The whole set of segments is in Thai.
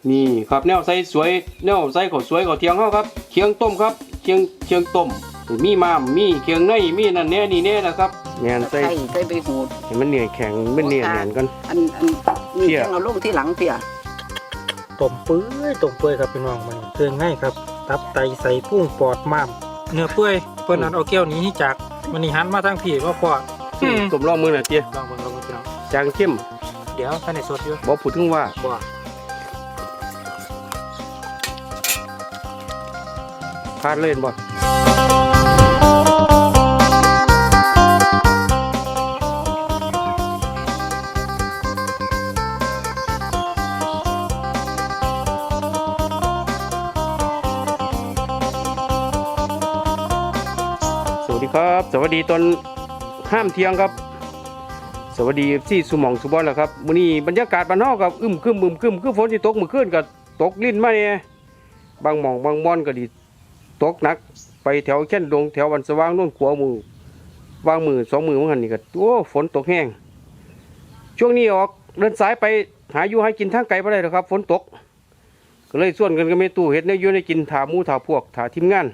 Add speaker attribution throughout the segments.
Speaker 1: นี่ครับแนวใส่สวยแนวใส่ข้าวสวยข้าวเทียงเฮาครับเคียงต้มครับเคียงต้มมีม้ามมีเคียงในมีนั่นแน่นี่แน่นะครับแม่นใส่
Speaker 2: ใบหูด
Speaker 1: ให้มันเหนียวแข็งมันเหนียวแน่นก่อน
Speaker 2: อันนี่ต้องเอาลงที่หลังเพีย
Speaker 3: ต้มเปื่อยครับพี่น้องมันเกินง่ายครับตับไตใส่พุ่งปอดม้ามเนื้อเปื่อยเพิ่นนั้นเอาแก้วนี้จากมันนี่หันมาทางพี่ก็พอ
Speaker 1: ต้มลองมือหน่อยเตี้ย
Speaker 3: ลองพี่น้อง
Speaker 1: จางเข้ม
Speaker 3: เดี๋ยวท่านในสดอยู่
Speaker 1: บ่พูดถึงว่า
Speaker 3: บ่
Speaker 1: พลาดเล่นบ่สวัสดีครับสวัสดีตอนห้ามเที่ยงครับสวัสดีที่สุหม่องสุบอลแหละครับมื้อนี้บรรยากาศบ้านเฮากับครึมคือฝนสิตกมื้อคืนก็ตกลิ้นมาเนี่ยบางหม่องบางม่อนก็ดีตกหนักไปแถวแค่นดงแถววันสว่างโน่นขัวมือวางมือ2 มือมันหันนี่ก็โอ้ฝนตกแห้งช่วงนี้ออกเดินสายไปหาอยู่ให้กินทางไกลบ่ได้หรอกครับฝนตกก็เลยส่วนกันก็ไม่ตู้เฮ็ดแนวอยู่ในกินถาหมู่ถาพวกถาทีมงาน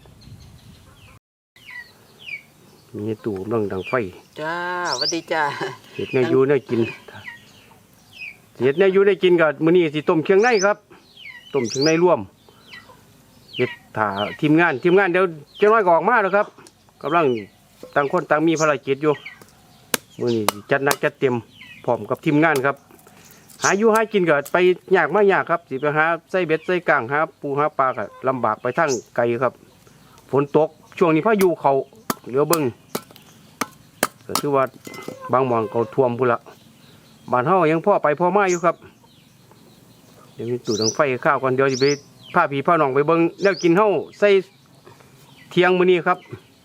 Speaker 1: มีตู้เรื่องดังไฟ
Speaker 2: จ้าสวัสดีจ้า
Speaker 1: เห็ดแนวอยู่แนวกินเห็ดแนวอยู่ได้กินกับมื้อนี้สิต้มเคียงในครับต้มเคียงในร่วมเห็ดถ่าทีมงานเดี๋ยวจะน้อยก็ออกมาแล้วครับกำลังต่างคนต่างมีภารกิจอยู่มื้อนี้จัดหนักจัดเต็มพร้อมกับทีมงานครับหาอยู่หากินก็ไปยากมายากครับสิไปหาใส่เบ็ดใส่กลางหาปูหาปลาก็ลำบากไปทั้งไกลครับฝนตกช่วงนี้พายุเขาเหลือเบิ่งก็คือว่าบางหม่องเขาท่วมพุ่นละบ้านเฮายังพ่อไปพ่อมาอยู่ครับเดี๋ยวมีตู้ดังไฟข้าวก่อนเดี๋ยวจะไปพาพี่พาน้องไปเบิ่งแล้วกินเฮาใส่เที่ยงมื้อนี้ครับ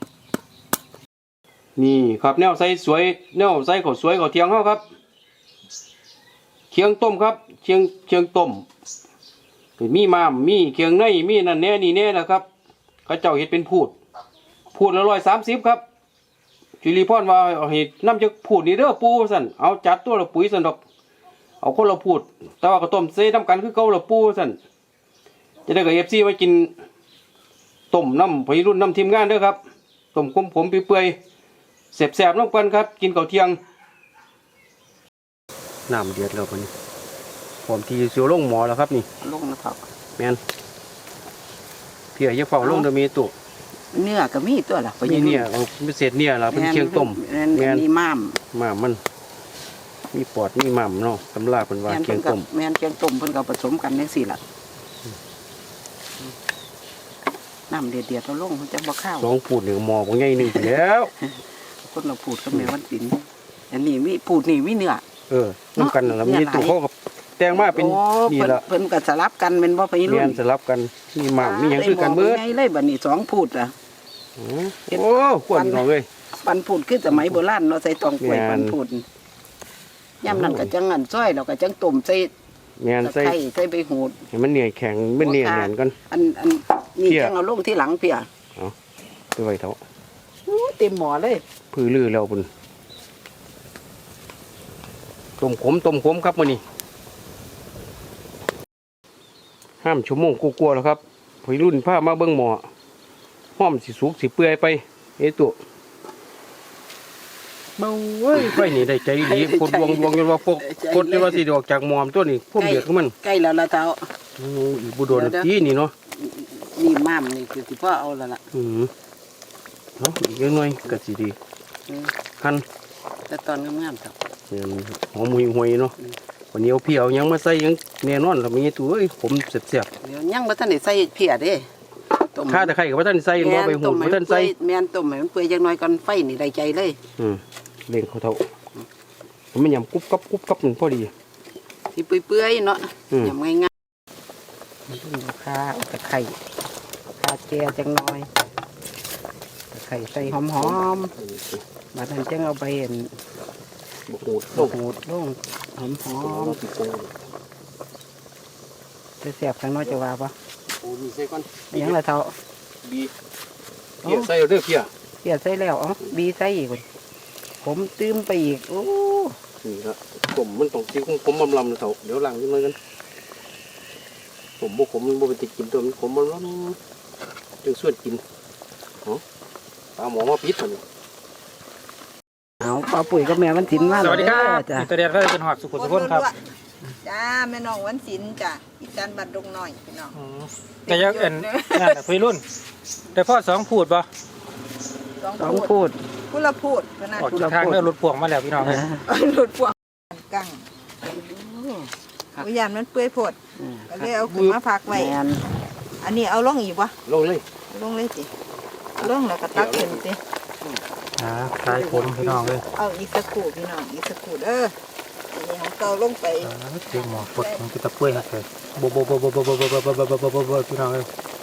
Speaker 1: นี่ครับแนวใส่สวยแนวใส่ข้าวสวยข้าวเที่ยงเฮาครับเคียงต้มครับเคียงต้มมีม้ามมีเคียงในมีนั่นแน่นี่แน่นะครับเขาเจ้าเฮ็ดเป็นพูดละ130ครับจุลีพรว่าเห็ดน้ำจะพูดนี่เด้อปูสั่นเอาจัดตัวละปุ๋ยสั่นดอกเอาคนละพูดแต่ว่าก็ต้มเซน้ำกันคือเก่าละปูสั่นจะได้กับFCมากินต้มน้ำพรุ่นน้ำทีมงานเด้อครับต้มผมเปื่อยๆแสบๆน้ำกันครับกินข้าวเที่ยงน้ำเดือดแล้วปะนี่ผมทีเสียวลงหมอแล้วครับนี่
Speaker 2: ลงนะครับ
Speaker 1: แมนเพียยังเฝ้าลงเดี๋ยวมีตุ
Speaker 2: เนื้อก็มีตัวล่ะ
Speaker 1: มีเนี่ยเอาพิเศษเนี่ยล่ะเป็นเคียงต้ม
Speaker 2: มีม้าม
Speaker 1: มันมีปอดมีม้ามเนาะตำราเป็นว่าเคียงต้ม
Speaker 2: แม่นเคียงต้มเพิ่นก็ผสมกันจังซี่ล่ะน้ำเดือดเราลงมันจะบ่ข้าว
Speaker 1: 2 พูด1 หม้อบ่ใหญ่1แล้ว
Speaker 2: คนเราพูดกับแม่วันศิลป์อันนี้มีพูดนี่มีเนื้อ
Speaker 1: น้ำกันแล้วมีตู้เขากับแต่งมาเป็นนี่ละ
Speaker 2: เพิ่นก็สลับกันเป็นบ่ไปรุ่น
Speaker 1: สลับกันมีม้ามมีหยังคือกันเบิด
Speaker 2: ใหญ่เลยบัดนี้2พูดอ่ะ
Speaker 1: โอ้ขวนน้องเอ้ย
Speaker 2: ปันพูดคือสมัยโบราณเนาะใส่ตองกล้วยปันพูดย่ำนั่นก็จังงั้นซ้อยเราก็จังต้มใส่ใส่ใบหูด
Speaker 1: ให้มันเหนียวแข็งมันเหนียวแน่นก่อน
Speaker 2: อันนี่จังเอาลงที่หลังเพีย
Speaker 1: ไปไว้เถอะ
Speaker 2: เต็มหม้อเลย
Speaker 1: พื้ลือแล้วปุ่นต้มขมครับมื้อนี้ห้ามชั่วโมงกลัวแล้วครับพี่รุ่นผ้ามาเบิ้งหม้อห้อมสิสุกสิเปื่อยไปตัวเบาเว้ยไฟนี่ได้ใจดีคนดวงจนว่าพวกคนที่ว่าสิออกจากหม้อตัวนี้พวกเดือดของมัน
Speaker 2: ใกล้แล้วละเท้า
Speaker 1: อีบุโดนทีนี่เนาะ
Speaker 2: นี่ม้ามนี่คือที่พ่อเอาแล้วล่ะ
Speaker 1: เนาะอีกหน่อยก็สิดีหั่น
Speaker 2: แต่ตอนงามๆครับ
Speaker 1: หอมห่วยเนาะวันนี้เอาเพียวยังมาใส่ยังแน่นอนแล้วมีตัวผมเสียบ
Speaker 2: เดี๋ยวยังบ่ทันได้ใส่เพียเด้
Speaker 1: ข้าแต่ไข่กับว่าท่านใส่บ่ไปหุ่นว่าท่านใส่
Speaker 2: แม่นต้มให้มันเปื่อยจังน้อยก่อนไฟนี่ได้ใจเลย
Speaker 1: เล่งเขาเท่ามันยำกุ๊บกับหนึ่งพอดี
Speaker 2: ที่เปื่อยๆเนาะยำง่ายๆมันต้องข้าตะไคร้ข้าแก่จังน้อยตะไคร้ใส่หอมๆมาทันจังเอาไปเห็น
Speaker 1: บกหูด
Speaker 2: ลงหอมจะเสียบทางน้อยจะว่าปะ
Speaker 1: ใส่ก่อน
Speaker 2: ยังไรเท่า
Speaker 1: บีเกี่ยใส่เรื่องเกี่
Speaker 2: ยใส่แล้วบีใส่อีกผมตื้มไปอีกโอ้
Speaker 1: นี่ละผมมันต้องจิ้มผมลำๆเท่าเดี๋ยวหลังขึ้นมากันผมบ่ขมมันบ่เป็นติกินตัวมันขมมันร้อนจึงส่วนกินปลาหมอมาปิดมัน
Speaker 2: เอาปลาปุ๋ยกับแม่วันศิลป์มา
Speaker 3: สวัสดีครับ
Speaker 2: จ้ะ
Speaker 3: มีตัวเดียวก็เป็นหอดสุขุมสุขนครับ
Speaker 4: จ้าแม่น้องวันศิลป์จ้ะอีสานบ้านดงน้อยพี่น้อง
Speaker 3: แต่ยังเอ็นนั่นน่ะพี่รุ่นแต่พ่อสองพูดบ่
Speaker 2: สองพูด
Speaker 4: ผู้ละพูดขนาด
Speaker 3: ออกจากทางเนื้อรถพ่วงมาแล้วพี่น้องเลย
Speaker 4: หลุดพวงกังวิญญาณมันเปื่อยโพดก็เลยเอาขึ้นมาพักไว้
Speaker 2: แม่น
Speaker 4: อันนี้เอาลงอีกวะ
Speaker 1: ลงเลย
Speaker 4: เอาลงเลยสิเอาลงแล้วก็ตักขึ้นสิ
Speaker 3: คลายผมพี่น้องเลย
Speaker 4: เอาอีกสักครู่พี่น้องอีกสักครู่เด้ออันนี้ของเก่าลงไป
Speaker 3: เจียงหมอปดมันจะตะเปื่อยครับเลยโบโบโบโบโบโบโบโบโบโบโบโบโบพี่น้องเลย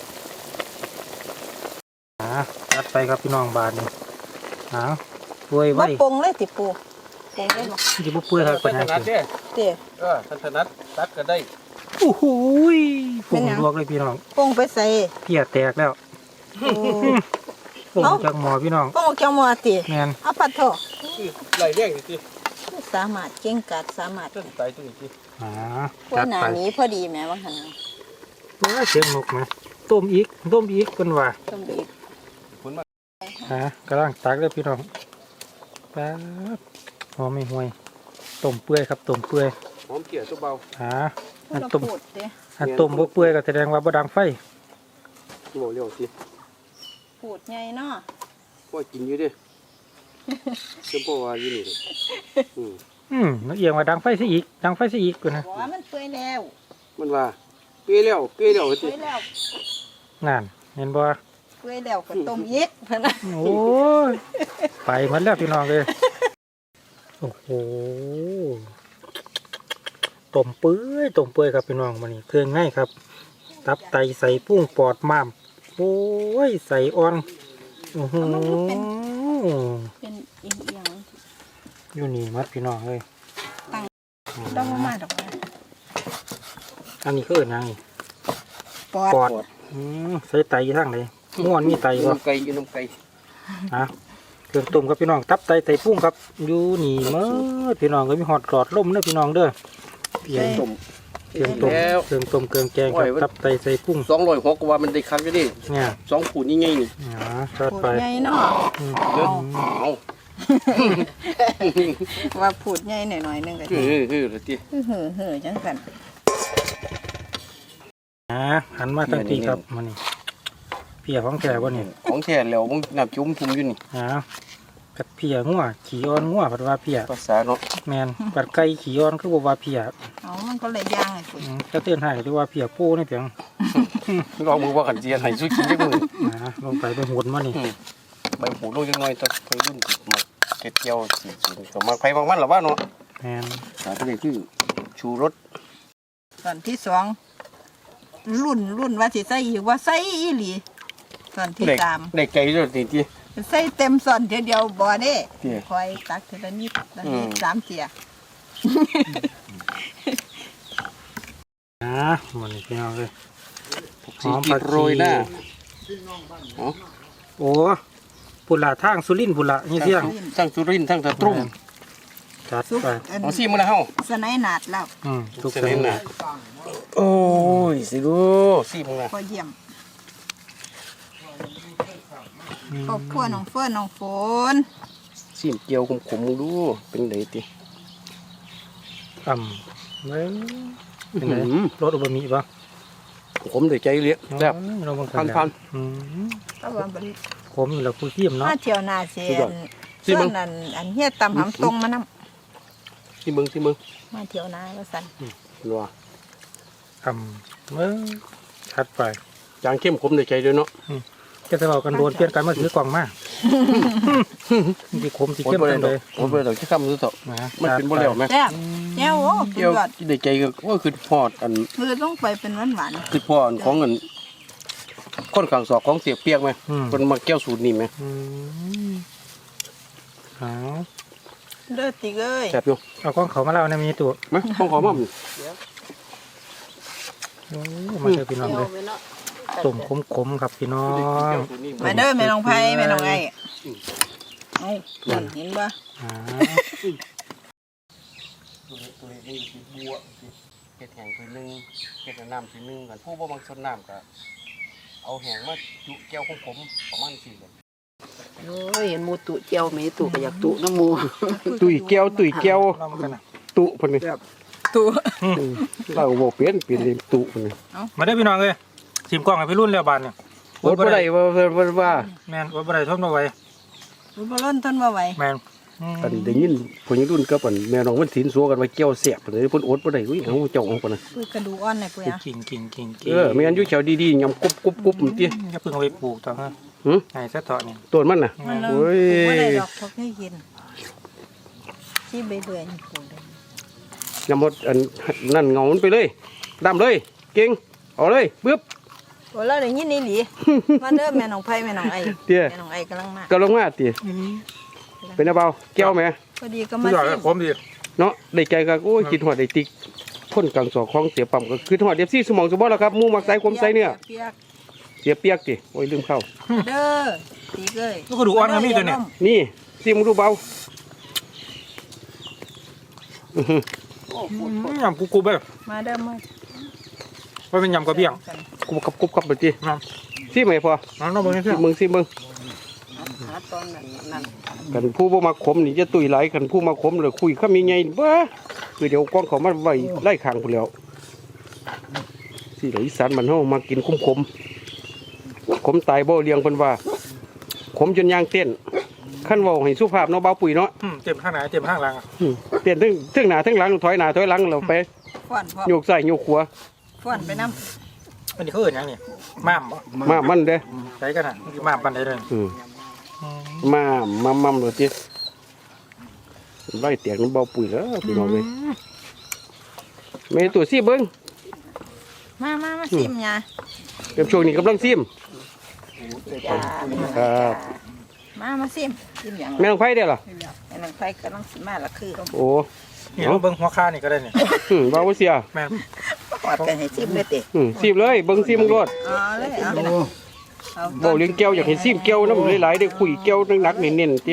Speaker 3: จัดไปครับพี่น้องบาทนี่เปื่อย
Speaker 4: บ่
Speaker 3: ไว้
Speaker 4: ปรุงเลยติปูปรุงได้บ่
Speaker 3: ที่บ่เปื่อยครับปัญหา
Speaker 1: ถนัด
Speaker 3: คือ
Speaker 1: เด้
Speaker 4: เตี้ย
Speaker 1: ท่านถนัดตัดก็ได้
Speaker 3: โอ้โหฝุ่นลวกเลยพี่น้อง
Speaker 4: ปรุงไปใส่
Speaker 3: เพี้ยแตกแล้ว
Speaker 4: โอ้
Speaker 3: ฝุ่นจากหมอพี่น้อง
Speaker 4: ปรุงเอาแก้วมัวติ
Speaker 3: แมน
Speaker 4: เอาปัดโถ
Speaker 1: ไหลแรงสิ
Speaker 4: สามารถเก่งกาจสามารถ
Speaker 1: ต้นตายตัวนี้สิ
Speaker 4: พว
Speaker 3: จั
Speaker 4: ก
Speaker 3: ด
Speaker 4: หนา
Speaker 3: ไป
Speaker 4: นี้พอดีแม่ว่าหั่นน่ะ
Speaker 3: เสียงนกไหมต้มอีกกันว่า
Speaker 4: ต้มอีก
Speaker 3: กำลังตักเลยพี่น้องแป๊บหอมไม่ห่วยต้มเปื่อยครับต้มเปื่อย
Speaker 1: หอมเกี่ยวตัวเบา
Speaker 3: อัน
Speaker 4: เรา
Speaker 3: ต้ม
Speaker 4: พูดเด้
Speaker 3: อันต้มบ่เปื่อยก็แสดงว่าบ่ดังไฟ
Speaker 1: โง่เร็วสิ
Speaker 4: พูดใหญ่เนาะ
Speaker 1: พ่อกินอยู่ดิเจ้าพ่อว่าอยู่นี่
Speaker 3: นักเอียงว่าดังไฟซะอีกกูนะ
Speaker 4: บอกว่ามันเปื่อยแล้ว
Speaker 1: มันว่าเปรี้ยวสิ
Speaker 4: เปื่อยแล้ว
Speaker 3: นั่นเห็นบ่
Speaker 4: เปื่อยแล้วก็ต้มอีกพะนะ
Speaker 3: โอ้ยไปหมดแล้วพี่น้องเลยโอ้โหต้มเปื่อยครับพี่น้องมันนี่เครื่องง่ายครับ ตับไตใส่ปุ้งปอดม้ามโอ้ยใส่อ่อนโอ้โห
Speaker 4: เป็นเอียง
Speaker 3: อยู่นี่มัดพี่น้องเลย
Speaker 4: ๆต้องมาดอกนะ
Speaker 3: อันนี้คืออะไร
Speaker 4: ปอด
Speaker 3: ปอดใส่ไตทั้งเลยม้วนมีไต
Speaker 1: อยู่
Speaker 3: บ่
Speaker 1: น้ำไก่อยู่น้ำไก่
Speaker 3: เครื่องต้มครับพี่น้องตับไตไตปุ้งครับอยู่นี่เมื่อพี่น้องก็มีหอดกรอดล่มเด้อพี่น้องเด้อเพียง
Speaker 1: ต้ม
Speaker 3: เครื่องต้มเครื่องแกงครับตับไตใส่ปุ้ง
Speaker 1: 200หกว่ามันได้คักอยู่ดิ
Speaker 3: เนี่ย
Speaker 1: 2ขูดนี่ไงนี่
Speaker 3: ทอด
Speaker 4: พูด
Speaker 3: ไป
Speaker 4: ใหญ่เนาะ
Speaker 1: เด้อเอา
Speaker 4: ว่าพูดใหญ่หน่อยๆนึงก็
Speaker 1: เลยติ
Speaker 4: เห่อจังซั่น
Speaker 3: หันมาตั้งทีครับมันนี่เพียของแก่บ่นี่
Speaker 1: ของแท้แล้วมึงน้ำจุ่มทุ่มอยู่นี่
Speaker 3: กัดเพียงัวขี่อ่อนงัวผัดว่าเพีย
Speaker 1: ภาษาเนาะ
Speaker 3: แมนกัดไก่ขี่อ่อนคือบ่ว่าเพีย
Speaker 4: เอามันก็เลยย่างให้คุณ
Speaker 3: ก็เตือนให้ที่ว่าเพียโป้นี่เพียง
Speaker 1: ลองมือว่ากันเจียนให้สู้กินจักมื้อ
Speaker 3: ลงไปเป็นหุ่นมานี่
Speaker 1: ใบหูลงจังหน่อยตะไปรุ่นมาเก็บเกี่ยวสิก็มาไผบางมันล่ะว่าเนาะ
Speaker 3: แมน
Speaker 1: ตัวนี้คือชูรส
Speaker 4: ตอนที่สองรุ่นว่าสิใส่อีกว่าใส่อีหลีตอนที่สาม
Speaker 1: ได้ไก่ด้วยติ
Speaker 4: ใส่เต็มส่วนเดียวบ่เด้
Speaker 1: เตี้ย
Speaker 4: คอยตักทีละนิด3เที่ย
Speaker 3: มันนี่พี่น้องเลย
Speaker 1: หอมผักโรยหน้า
Speaker 3: โอ้ผุละทางสุรินทร์ผุละนี่เที่ยง
Speaker 1: ทั้งสุรินทร์ทั้งตะตรุ่ม
Speaker 3: จัด
Speaker 4: ซุป
Speaker 3: ไป
Speaker 1: เอาซี่มื้อละเฮา
Speaker 4: สไนหนาดแล้ว
Speaker 3: ทุก
Speaker 1: เส
Speaker 3: เส้
Speaker 1: น
Speaker 3: น
Speaker 1: น่ะโอ้ยสิดูซี่มื้อละ
Speaker 4: พอเยี่ยมครอบครัวน้องเฟิร์นน้องฝน
Speaker 1: ซี่เจียวขมๆดูเป็นไดติ
Speaker 3: เว้ยเป็นไงรสอุบะหมี่ปะ
Speaker 1: ขมได้ใจเลยแซ่บ
Speaker 3: เราบาง
Speaker 1: พัน
Speaker 4: ก็ว่าบ่
Speaker 3: ขมอยู่แล้วผู้เทียมเนาะ
Speaker 4: มาเที่ยวหน้าเสียนส่วนนั้นอันเฮียตำหำตรงมานำ
Speaker 1: ที่มึง
Speaker 4: มาเที่ยวหน้าว่าซั่น
Speaker 1: นัว
Speaker 3: เว้ยชัดไป
Speaker 1: จางเข้มขมได้ใจด้วยเนาะ
Speaker 3: จะจะบอกกันโดนเปลี่ยนกันมาถือกล่องมาที่ขมที่
Speaker 1: โอ้ย
Speaker 3: เข้ม
Speaker 1: บ่ได้
Speaker 3: กัน
Speaker 1: ด
Speaker 3: เล
Speaker 1: อก
Speaker 3: ย
Speaker 1: โอ้ยบ่ได้ดอกที่คำสุดเถอะ
Speaker 3: นะ
Speaker 1: มันเป็นบ่แล้วแม่
Speaker 4: แซ่บแก้วโอ้สุ
Speaker 1: เกี่ยว
Speaker 4: ดยอด
Speaker 1: ได้ใจก็ว่าคือพอดอัน
Speaker 4: มือต้องไปเป็นหวาน
Speaker 1: คือพอดของอันคนข้างศอกของเสียเปียกไหม
Speaker 3: อืม
Speaker 1: คนมาแก้วสูตรนี่ไหม
Speaker 3: เอา
Speaker 4: ๆเด้อติเอ้ย
Speaker 1: แซ่บอยู่
Speaker 3: เอากล้องเขามาเล่าในมีตัว
Speaker 1: มาต้องขอมั่ม
Speaker 3: มาเจอพี่น้องเลยต้มขมๆครับพี่น้อง
Speaker 4: มาเด้อแม่น้องไผแม่น้องไอ้เอานั่นเห็นบ่
Speaker 3: อ่า
Speaker 1: เฮ็ดแห้งคือนึงเฮ็ดน้ำคือนึงกันผู้บ่มักสดน้ำก็เอาแห้งมาจุแก้วของผมประมาณ4เลย
Speaker 2: โอ้ยเห็นหมูตุเจียวไหมตุก็อยากตุน้ำหมู
Speaker 1: ตุยแก้ว
Speaker 3: เรามากันนะ
Speaker 1: ตุเพิ่นนี่
Speaker 4: ตัว
Speaker 1: เราบ่เปลี่ยนเลยตุเพิ่นนี่
Speaker 3: มาได้พี่น้องเลยทีมกล้องให้พี่รุ่นแล้วบานเนี่ย
Speaker 1: อดบ่ได้ว่า
Speaker 3: แมนอดบ่ได้ทนบ่ไหว
Speaker 4: รู้บ่ล้นทนบ่ไหว
Speaker 3: แมน
Speaker 1: กันได้ยินเพิ่นรุ่นกับอันแม่น้องมันสินสัวกันว่าแก้วแซ่บเพิ่นเลยเพิ่นอดบ่ได้อุ้ยเอาเจ้าเอาปานน่ะ
Speaker 4: ปุ้ยกระดูกอ่อนเลยปุ้ยอ่ะ
Speaker 3: กิ่ง
Speaker 1: แม่นอยู่แถวดีๆยำกุบๆๆติ
Speaker 3: อย่าเพิ่งเอาไปปลูกต่อฮะ
Speaker 1: หึ
Speaker 3: ไงซะเถาะนี่
Speaker 1: ต้นมันน่ะ
Speaker 4: มันเลย
Speaker 1: โอ้ย
Speaker 4: บ่ได้ดอกพกให้กินที่ใบเดือยนี่ปลูกได้
Speaker 1: ยำหมดอันนั่นเงามันไปเลยดำเลย เก่งเอาเลยปึ๊บ
Speaker 4: โอ้เราได้ยินนี่หลีมาเด้อแม่น้องไผแม่น้องไอ้
Speaker 1: เตี้ย
Speaker 4: แม่น้องไอ้กำลังมา
Speaker 1: ก็ลงมาติเป็นอะไรเปล่าแก้วแม่
Speaker 4: พอดีก็
Speaker 3: พี่
Speaker 4: มา
Speaker 3: หยอด
Speaker 4: ซิ
Speaker 3: ให้
Speaker 4: ม
Speaker 3: คมดี
Speaker 1: เนาะได้ใจก็โอ้ยคิดฮอดได้ติ๊กพ่นกลางสอกของเสียปั๊มก็คือฮอดเดฟซี่สมองสมบัติแล้วครับหมู่มักใส่ความใส่เนื้อ
Speaker 4: ปียก
Speaker 1: เสียเปียกติโอ้ยลืมเข้า
Speaker 4: เด้อตีเอ้ย
Speaker 3: ลูกกระดูกอ่อนก็มีตัวเนี่ย
Speaker 1: นี่ซิมดูเบา
Speaker 3: ยำกุ๊บๆไป
Speaker 4: มาเด้อมา
Speaker 3: ว่าเป็นยำกระเบี้ยง
Speaker 1: กุบกับไปติซิมให้พอ
Speaker 3: น้องเบิ่งนี่
Speaker 1: ซิ
Speaker 3: เพื่อ
Speaker 1: มมึงซิมมึง
Speaker 2: หาตอนนั้น
Speaker 1: กันผู้บ่มาขมนี่จะตุยหลายกันผู้มาขมเลยคุยคำยังไงบ้าคือเดี๋ยวกล้องเขามาไว้ไล่ข้างพุ่นแล้วสิเหลืออีสานมันเฮามากินขมขมตายบ่เลี้ยงเพิ่นว่าขมจนยางเต้นขั้นเว้าให้สุภาพเนาะเบาปุ๋ยเนาะ
Speaker 3: เต็มข้างไหนเต็มข้างหลังอ่ะ
Speaker 1: เต้นทั้งหน้าทั้งหลังถอยหน้าถอยหลังเราไป
Speaker 4: ฟ้อนพ่อ
Speaker 1: โยกซ้ายโยกขวา
Speaker 4: ฟ้อนไปน้
Speaker 3: อันนี้เขาเอิ้นหยังนี่ม่ามบ่
Speaker 1: มามันเด้อ
Speaker 3: ใช้กันน่ะนี่ม่ามปานใดเลย
Speaker 1: มาเลยติไล่เตียงน้ำเบาปุ๋ยแล้วพี่น้องเลยแม่ตัวซีเบิ้ง
Speaker 4: ำมาซิมยา
Speaker 1: เดี๋ยวช่วงนี้กำลังซีม
Speaker 2: จ้า
Speaker 1: ครับ
Speaker 4: มาซิม
Speaker 2: กินอย่าง
Speaker 1: แม่น้องไผ่ได้อล่ะ
Speaker 2: ไอ้นางไฟกำลังสิมาละคือ
Speaker 1: โอ้
Speaker 3: นี่เราเบิ่งหัวค่านี่ก็ได้นี่
Speaker 1: ว่าบ่เสีย
Speaker 3: แม่น
Speaker 2: หอดกันให้ซิมเลยเตะ
Speaker 1: ซีมเลยเบิ้งซีมรวด
Speaker 4: เอาเลยเอา
Speaker 1: เบาเลี้ยงแก้วอยากเห็นซีมแก้วน้ำหลายๆได้คุยแก้วหนักๆเน้นๆติ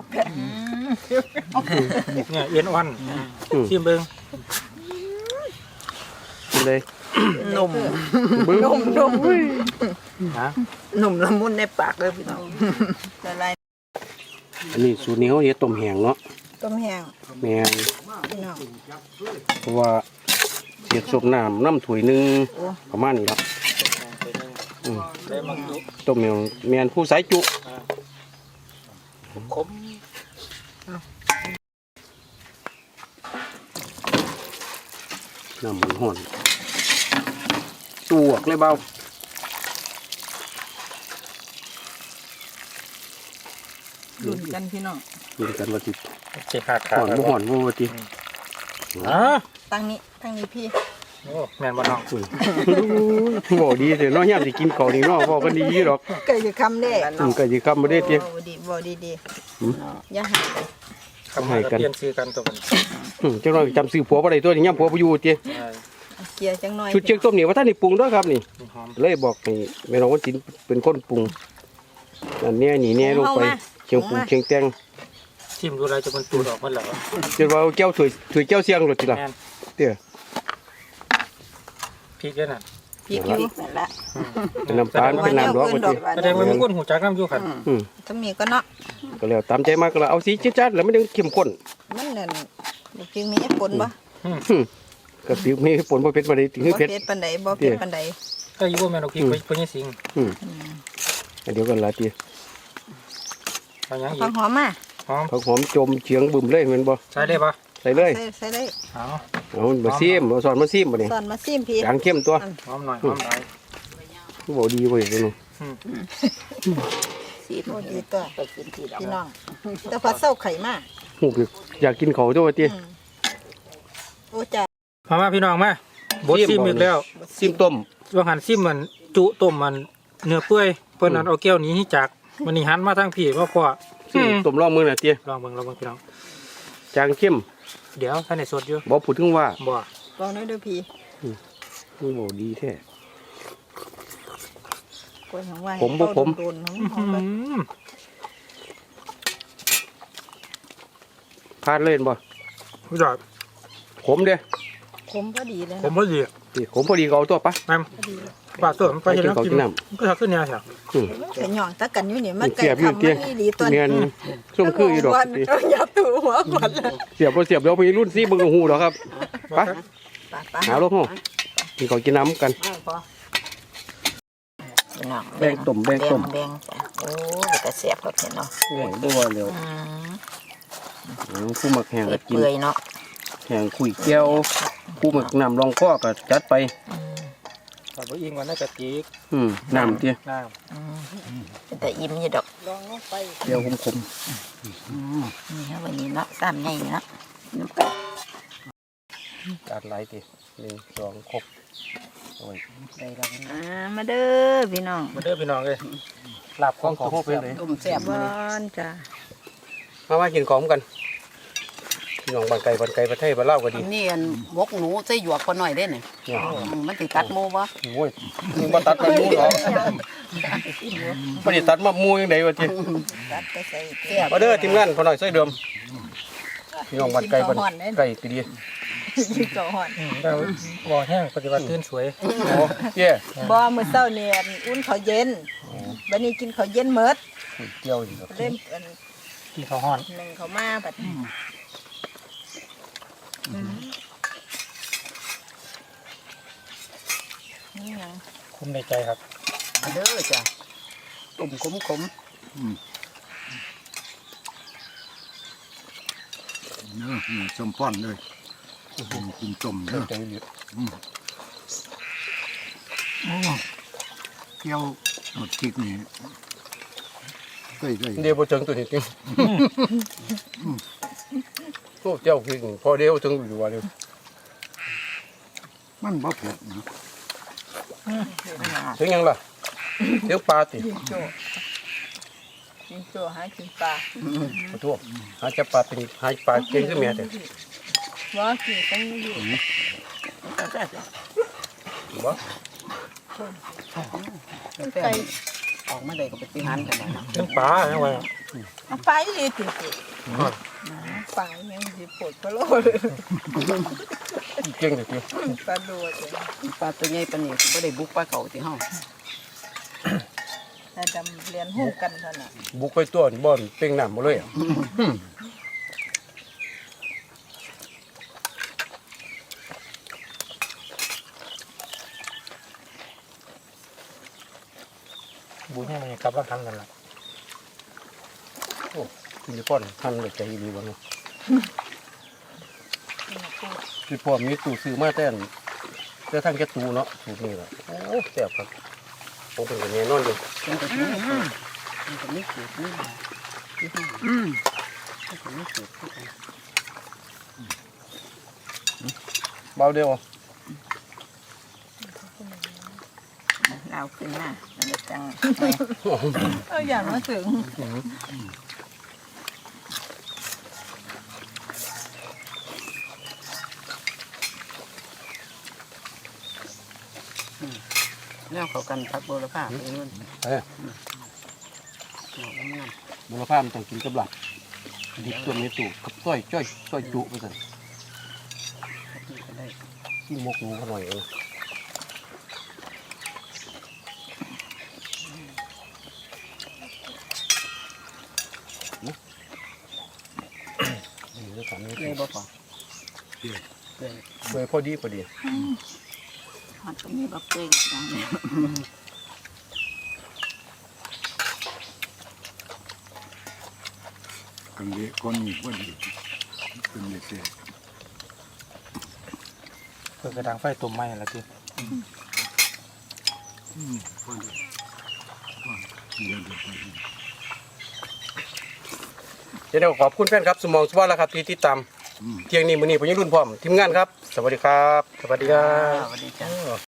Speaker 3: เนี่ยเอ็นอ่อนชิมเบิ่ง
Speaker 1: เลย
Speaker 2: นม
Speaker 1: เบิ้ง
Speaker 3: ฮะ
Speaker 2: นมละมุนในปากเลยพี่น้อง
Speaker 4: ละลาย
Speaker 1: อันนี้สูตรนี้เขาเฮ็ดต้มแห้งเนาะ
Speaker 4: ต้มแห้ง
Speaker 1: แม่น
Speaker 4: พี่น้อง
Speaker 1: เพราะว่าเสียดสบน้ำถ้วยหนึงประมาณนี้ครับ
Speaker 3: ได้มังยุ
Speaker 1: ต้มแม่นผู้สายจุ
Speaker 3: คม
Speaker 1: น้ำมันห่อนตวกเลยเบา
Speaker 4: ลุ้นกันพี่น้อง
Speaker 1: ดูกันว่าจิ
Speaker 3: เจ็บขาดขา
Speaker 1: ห่อนบ่ห่อนบ่ว่าจิ
Speaker 3: อ๋อ
Speaker 4: ตั้งนี้พี่
Speaker 3: โอ้แม่นบ่น้อง
Speaker 1: บ่ดีเด้อเนาะยามสิกินข้าวนี่เนาะบ่กันดีอยู่ดอก
Speaker 4: เกิดจะคำเด้
Speaker 1: ก็สิคำบ่ได้ติ
Speaker 4: บ่ดีอย่าหาย
Speaker 3: คำให้กันเปลี่ยนชื่อกันตัวกัน
Speaker 1: จังน้อยจำชื่อผัวบ่ได้ตัวนี่ยามผัวบ่อยู่ติ
Speaker 4: เกียร์จังหน่อย
Speaker 1: ชุดเชียงต้มนี่ว่าท่านได้ปรุงเด้อครับนี่
Speaker 3: หอม
Speaker 1: เลยบอกให้แม่น้องวันศิลป์เป็นคนปรุงอันเนี้ยนี่แน่ลงไปเชียงปรุงเชียงแตง
Speaker 3: ชิมดูอะไรจะมันตูดออกมันเหรอ
Speaker 1: จนว่าเอาแก้วถ้วยแก้วเสียงรถติล่ะ
Speaker 3: แม่น
Speaker 1: เด้อ
Speaker 3: พริกด้วยน่ะ
Speaker 4: พี่คิว
Speaker 2: นั่นละ
Speaker 1: เป็นน้ำตาลเป็นน้ำดอกว่าติ
Speaker 3: แสดงว่ามีคนหูจักน้ำอยู่ขัน
Speaker 4: ถ้ามีก็เนาะ
Speaker 1: ก็แล้วตามใจมากก็แล้วเอาสีจัดๆแล้วมันยังเข้มข้น
Speaker 4: มันนั่นลูกจริงมีผลบ่
Speaker 1: ก็สิมีผลบ่เผ็ดบ่ได้ถึง
Speaker 4: บ่
Speaker 1: เผ็ด
Speaker 4: เผ็ดปานใดบ่เผ็ดปานใด
Speaker 3: ก็อยู่ว่าแม่นเอาพริกไปเพิ่นยังสิง
Speaker 1: อันเดียวกันล่ะติ
Speaker 3: เอาหยังอี
Speaker 4: ฟัง
Speaker 3: ก
Speaker 4: หอมมา
Speaker 3: หอม
Speaker 1: ผักหอมจมเฉียงบึ้มเลยแม่นบ่
Speaker 3: ใช้ได้ปะ
Speaker 1: ใส่เลย
Speaker 4: ใส่ได้
Speaker 3: เอา
Speaker 1: เอามาซิมเอาสอนมาซิมบ่นี่
Speaker 4: ตอนมาซิมพี่
Speaker 1: จางเข้มตัว
Speaker 3: หอมหน่อยหอมหลาย
Speaker 1: บ่ดีเว้ยเด้อนู
Speaker 2: สี
Speaker 4: โอ้ดีตัว
Speaker 2: ไปกินที่ดอก
Speaker 4: พี่น้องแต่พัดเศร้าไข่มา
Speaker 1: ฮู้อยากกินข้าวตัวติ
Speaker 4: โอ้จ้า
Speaker 3: มาพี่น้องมาบดซิมอีกแล้ว
Speaker 1: ซิมต้ม
Speaker 3: ว่าหันซิมมันจุต้มมันเนื้อเปื่อยเพิ่นนั้นเอาแก้วนี้ให้จักมันนี่หันมาทางพี่ว่าพ่อ
Speaker 1: ซิมต้มลองมือน่ะติ
Speaker 3: ลองเบิ่งพี่น้อง
Speaker 1: จางเข้ม
Speaker 3: เดี๋ยวท่านในสดอยู่
Speaker 1: บ่พูดถึงว่า
Speaker 3: บ่
Speaker 4: ลองหน่อยเด้อพี่
Speaker 1: บ่ดีแท้
Speaker 4: กล้วยของว่า
Speaker 1: ผมบ่ผม
Speaker 4: โดนๆหอมๆเลย
Speaker 1: พลาดเล่นบ่
Speaker 3: ผู้จอด
Speaker 1: ผมเด้
Speaker 4: ขมพอดีเลย
Speaker 3: ผมพอดี
Speaker 1: นี่ผมพอดีก็เอาตัวปะ
Speaker 3: แม่ปลาตัวมันไปเห็นแล้วกิน
Speaker 1: กินน้
Speaker 3: มันก็ทักขึ้นเนี่ยใช่
Speaker 4: แต่หย่องตะกันอยู่นี่มันไก่
Speaker 1: เสียบอยู่
Speaker 4: คำ
Speaker 1: เตี้
Speaker 4: มั
Speaker 1: ย
Speaker 4: นอีหลีตัว
Speaker 1: เนียนช่วงคืออยู่ดอก
Speaker 4: วันอย่าตู่หัวก่อนเลย
Speaker 1: เสียบบ่เสียบเดี๋ยวไปรุ่นซี่บึงหูดอกครับไป
Speaker 4: ไป
Speaker 1: หาลูกห้องกินข้าวกินน้ำกัน
Speaker 4: พอ
Speaker 1: แบ่งต้มแบ่งต้ม
Speaker 4: แบ่งจ้ะโอ้ยแต่เสียบก็เห็นเนาะ
Speaker 1: โอ้ยบัวเร็วผู้หมักแห้งก็กิน
Speaker 4: เปื่อยเนาะ
Speaker 1: แห้งคุยแก้วผู้หมักน้ำรองก้อก็จัดไป
Speaker 3: ปลาตัวอิงวันนั้นกะติก
Speaker 1: น้ำเตี้ย
Speaker 3: น้
Speaker 4: เป็นแต่อิ่มอยู่ดอก
Speaker 1: เดี๋ยวคม
Speaker 4: นี่ฮะวันนี้เนาะซ้ำใหญ่เนาะน้ำกัน
Speaker 1: ๆจัดหลายตี1 2ครบโอ้ย
Speaker 4: มาเด้อพี่น้อง
Speaker 3: ำมาเด้อพี่น้องเลยลาบของของ
Speaker 1: เป็นเลย
Speaker 2: ต้มแซ่บ
Speaker 4: บ้
Speaker 2: มาเลย
Speaker 4: านจ้ะ
Speaker 1: มากินของกันพี่น้องบ้านไก่ประเทศบ้านเล่าก็ดี
Speaker 2: อันนี้อันบกหนูใส่หยวกพอหน่อยได้เนี่ย
Speaker 1: เนี่ย
Speaker 2: มันสิตัดหมูบ่
Speaker 1: โอ้ยมึงมาตัดมามูเหรอไม่ได้ตัดมามูยังไงวะจี
Speaker 4: ตัดไปใส่
Speaker 2: แซ่บ
Speaker 1: มาเด้อทีมงานพอหน่อยใส่เดิมพี่น้องบ้านไก่บ้านไก่ก็ดี
Speaker 4: เจ้าหอน
Speaker 3: เราบ่อแห้งปฏิบัติตื่นสวย
Speaker 1: โอ้เย้
Speaker 4: บ่มื้อเช้านี่อุ่นข้าวเย็นบัดนี้กินข้าวเย็นหมด
Speaker 1: เจียวดีครับ
Speaker 4: เล่น
Speaker 3: ที่เขาห้อน
Speaker 4: หนึ่งเขามาบัดนี่ยัง
Speaker 3: คุ้มในใจครับ
Speaker 2: มาเด้อจ้ะต้มขม
Speaker 5: เนื้อสมป้อนเลยกินต้มเนื้อ
Speaker 1: ใจดี
Speaker 5: เกี่ยวหมดพริกนี่ใส่
Speaker 1: เดี๋ยวบ่ถึงตัวนี้จริงโอ้เจ้าพี่พอเดี๋ยวถึงอยู่ว่าเดี๋ยว
Speaker 5: มันบ่เผ็ดนะ
Speaker 1: ถึงยังล่ะเดี๋ยวปลาติ
Speaker 4: กินโจหากินปลา
Speaker 1: ขอโทษหาจับปลาเป็นหาปลาเก่งขึ้นแม่แต่
Speaker 4: ว่ากินต้องอยู่
Speaker 1: บ่
Speaker 2: ๆแซ่บออกมาได้ก็ไปตีหันกันได้เนาะ
Speaker 3: เรื่องปลาเนี่ยว่า
Speaker 4: เอาปลาอีหลีติปลายังสิปวดพะโล้เลย
Speaker 1: เก่งจริง
Speaker 4: ปลาโดดเลย
Speaker 2: ปลาตัวใหญ่ปานนี้สิบ่ได้บุกปลาเก่าที่เฮา
Speaker 4: แต่ดำเรียนหูกันเท่านั้น
Speaker 1: บุกไปตัวบ่อนเป่งน้ำบ่เลยอ่ะ
Speaker 3: บุญแห้งมันยังกลับว่าทันกันละ
Speaker 1: มีป้อนทันเลยใจดีบ่เนาะคือพ่อมีตู้ซื้อมาแต่ท่านแค่ตู้เนาะสูตรนี้ล่ะโอ้แซ่บครับผมเป็นคนแน่นอนอยู่
Speaker 2: มันก็สิมันก็มีสูตรนี่ล่ะที่เฮามันก็มีสูตรคือกัน
Speaker 1: เบาเดียว
Speaker 4: เราขึ้นมาแล้วจังอย่างมาถึง
Speaker 2: แล้วเขากันพักโบราณภาพเองมัน
Speaker 1: เอ้ย
Speaker 2: เอาน้ำมัน
Speaker 1: มูลค่ามันต้องกินกับหลักดิบตัวนี้ตู้กับซอยจ้อยซอยจุไปสั่น
Speaker 2: นี่ก็ได้
Speaker 1: ที่มกหนูเขาหน่อยเองนี่คือสามนิ้ว
Speaker 2: เลยบ่พอ
Speaker 1: เลยพอดี
Speaker 4: มันก็มีบักเกอร์จัง
Speaker 5: กันเละคนนี้คนอีกเป็นเละเสีย
Speaker 3: เพื่อกระดังไฟตุ่มไหม้ละที
Speaker 5: คนเดี๋ยว
Speaker 1: จะได้ขอบคุณแฟนครับสมองสวัสดิ์แล้วครับที่ติดตามเที่ยงนี้มื้อนี้ผมยังรุ่นพร้อมทีมงานครับ สวัสดีครับ
Speaker 3: สวัสดีครับ
Speaker 2: สวัสดีจ้ะ